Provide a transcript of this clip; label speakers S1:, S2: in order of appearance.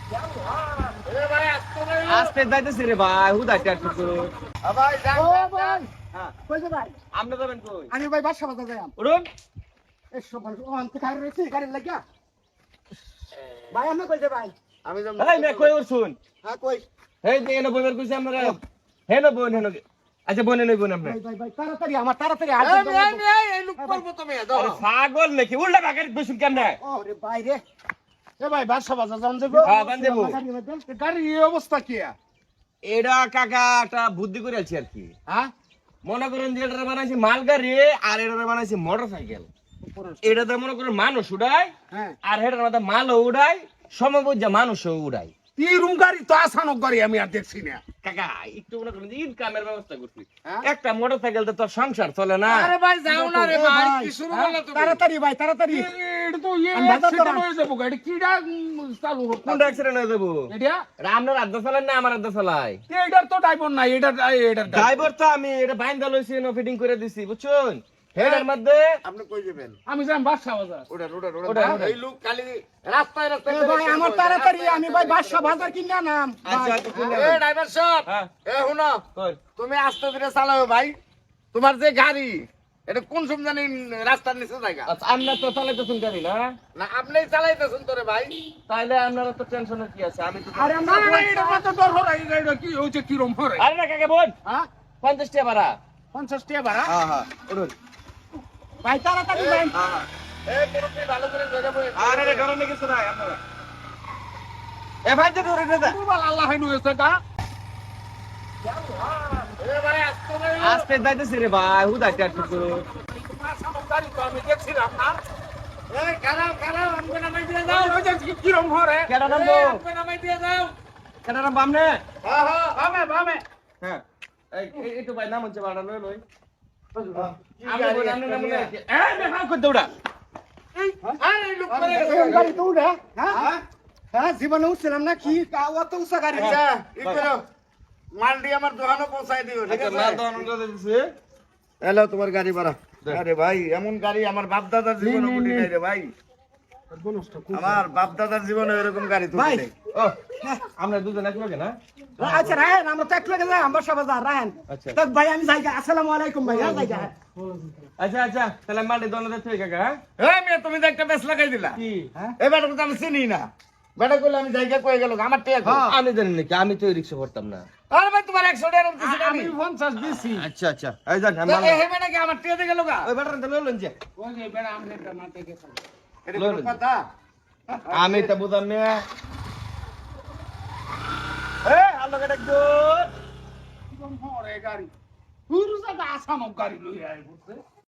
S1: আস্তে যাইতেছি রে ভাই হুদাইতে আর শুরু
S2: ভাই যান
S3: ও
S2: যান,
S3: ভাই
S2: যান।
S1: হ্যাঁ
S3: কই যে ভাই
S1: আপনি যাবেন কই
S3: আমি ভাই বাসা বাজার যাইম
S1: উঠুন
S3: এসো ভাই ও আনতে খাই রইছি গাড়ি লাগিয়া ভাই আমি কই যে ভাই
S2: আমি যাম
S1: এই মে কই উঠছুন
S3: হ্যাঁ কই
S1: এই যে এনে বইবার কইছে আমরা হেনো বোন হেনো আচ্ছা বোনে লই বোন আপনি
S3: ভাই ভাই ভাই তাড়াতাড়ি আমার তাড়াতাড়ি
S2: এই,
S3: আসতে
S2: এই, এই, এই লোক করবো তুমি, দাও।
S1: আরে পাগল নাকি উল্টা বাগারে বসুন কেমনে
S3: ও রে ভাই রে
S2: এ ভাই বাসা বাজার যান যাবো
S1: হ্যাঁ বান দেবো
S2: গাড়ির এই অবস্থা কি
S1: এটা কাকা একটা বুদ্ধি করে আছি আর কি
S2: হ্যাঁ
S1: মনে করেন যে এটা বানাইছি মালগাড়ি আর এটা বানাইছি মোটরসাইকেল এটাতে মনে করেন মানুষ উড়ায়
S3: হ্যাঁ
S1: আর হেটার মধ্যে মালও উড়ায় সমবুজ্জা মানুষও উড়ায়
S2: এই রুম গাড়ি তো আসানো গাড়ি আমি আর দেখছি না
S1: কাকা একটু মনে করেন ইনকামের ব্যবস্থা করছি
S2: হ্যাঁ?
S1: একটা মোটরসাইকেল তো তোর সংসার চলে না
S2: আরে ভাই যাও না রে
S3: এ
S2: ভাই
S3: ভাই,
S2: কি শুরু
S3: হ্যাঁ?
S2: করলে তুমি
S3: তাড়াতাড়ি ভাই তাড়াতাড়ি
S2: এটা তো এই
S3: আমি বাজার
S2: অ্যাক্সিডেন্ট
S3: করাম।
S2: হয়ে যাবো গাড়ি কিডা চালু হচ্ছে
S1: কোনটা অ্যাক্সিডেন্ট হয়ে যাবো
S2: এটা
S1: আপনার আদ্দা চালান না আমার আদ্দা চালাই
S2: এটার তো ড্রাইভার নাই এটার
S1: ড্রাইভার তো আমি এটা বাইন্দা লইছি ফিটিং করে দিছি বুঝছেন হেডের মধ্যে
S2: আপনি কই যাবেন আমি যাম বাসা বাজার ওটা ওটা
S1: ওটা, ওটা।
S2: এই লোক খালি রাস্তায় রাস্তায়
S3: এ ভাই আমার তাড়াতাড়ি আমি ভাই বাসা বাজার কিনা নাম
S1: আচ্ছা
S3: ভাই।
S1: আচ্ছা শুনে
S2: এ ড্রাইভার সাহেব
S1: হ্যাঁ
S2: এ শুনো
S1: কই
S2: তুমি আস্তে ধীরে চালাও ভাই তোমার যে গাড়ি এটা কোন সব জানি রাস্তার নিচে জায়গা
S1: আচ্ছা আপনার তো চালাইতেছেন গাড়ি না
S2: না আপনিই চালাইতেছেন তোরে ভাই
S1: তাইলে আপনার তো টেনশনের কি আছে আমি তো
S3: আরে আমরা
S2: এটা কত ডর হরাই এটা কি হচ্ছে কি রকম হরাই
S1: আরে না কাকে বোন
S2: হ্যাঁ
S1: 50 টাকা ভাড়া
S2: 50 টাকা ভাড়া
S1: হ্যাঁ হ্যাঁ উঠুন
S3: ভাই তাড়াতাড়ি ভাই
S2: এ পুরোপুরি ভালো করে ধরে বই
S1: আরে রে গরমে কিছু নাই আপনারা এ ভাই যে ধরে দে
S2: পুরো আল্লাহ হাইনু হয়েছে গা এ ভাই আস্তে ধীরে
S1: আস্তে যাইতেছি রে ভাই হুদাইতে আর শুরু
S2: গাড়ি তো আমি দেখছিলাম না এই খারাপ খারাপ আমাকে নামাই দিয়ে দাও ওই যে কি রকম হরে
S1: কেডা নামবো?
S2: আমাকে নামাই দিয়ে দাও
S1: কেন নাম বামনে
S2: হ্যাঁ হ্যাঁ বামে বামে
S1: হ্যাঁ এই একটু ভাই নাম হচ্ছে ভাড়া লই লই
S2: কি
S1: আমি
S2: গাড়ি
S1: বলি
S2: একটা
S1: আপনি নাম
S2: নিয়ে?
S1: এই মেঘা কই দৌড়া
S2: আরে লোক করে
S3: এই গাড়ি তো উড়ে হ্যাঁ হ্যাঁ জীবনে উঠছিলাম না কি অত উঁচা গাড়ি
S2: আচ্ছা ই করো মালটি আমার দোকানে পৌঁছাই দিও ঠিক
S1: আচ্ছা
S2: আছে
S1: মাল দহন করে দিছে
S2: হ্যালো তোমার গাড়ি ভাড়া আরে ভাই এমন গাড়ি আমার বাপ দাদার জীবনে উঠি নাই রে ভাই আমার বাপ দাদার জীবনে এরকম গাড়ি তো
S3: ভাই
S2: নাই
S1: ও আমরা দুজন এক লগে না
S3: আচ্ছা রায়ন আমরা তো এক লগে যাই আমরা সবাই যা রায়ন
S1: আচ্ছা।
S3: তো ভাই আমি যাই আসসালামু আলাইকুম ভাই হ্যাঁ যাই
S1: আচ্ছা আচ্ছা তাহলে মালটি দহন দিতে কাকা হ্যাঁ?
S2: এই মেয়ে তুমি তো একটা বেশ লাগাই দিলা
S1: কি
S2: এই বেটাকে তো আমি চিনি না বেটা করলে আমি জায়গা কয়ে গেল আমার টেক
S1: আমি জানি নাকি আমি তো রিক্সা করতাম না
S2: আরে ভাই তোমার 100 টাকা দিছি আমি 50 দিছি
S1: আচ্ছা আচ্ছা এই যান
S2: তো এই বেটা কি আমার টেক গেল গা
S1: ওই বেটার তো লইলেন যে
S2: ওই যে বেটা আমনে না টেক গেছে এটা
S1: লইলেন।
S2: কোনো কথা
S1: আমি তো বুঝাম না এ আলো কেটে দো
S2: হরে গাড়ি পুরো জায়গা আসাম গাড়ি লই আই বুঝছে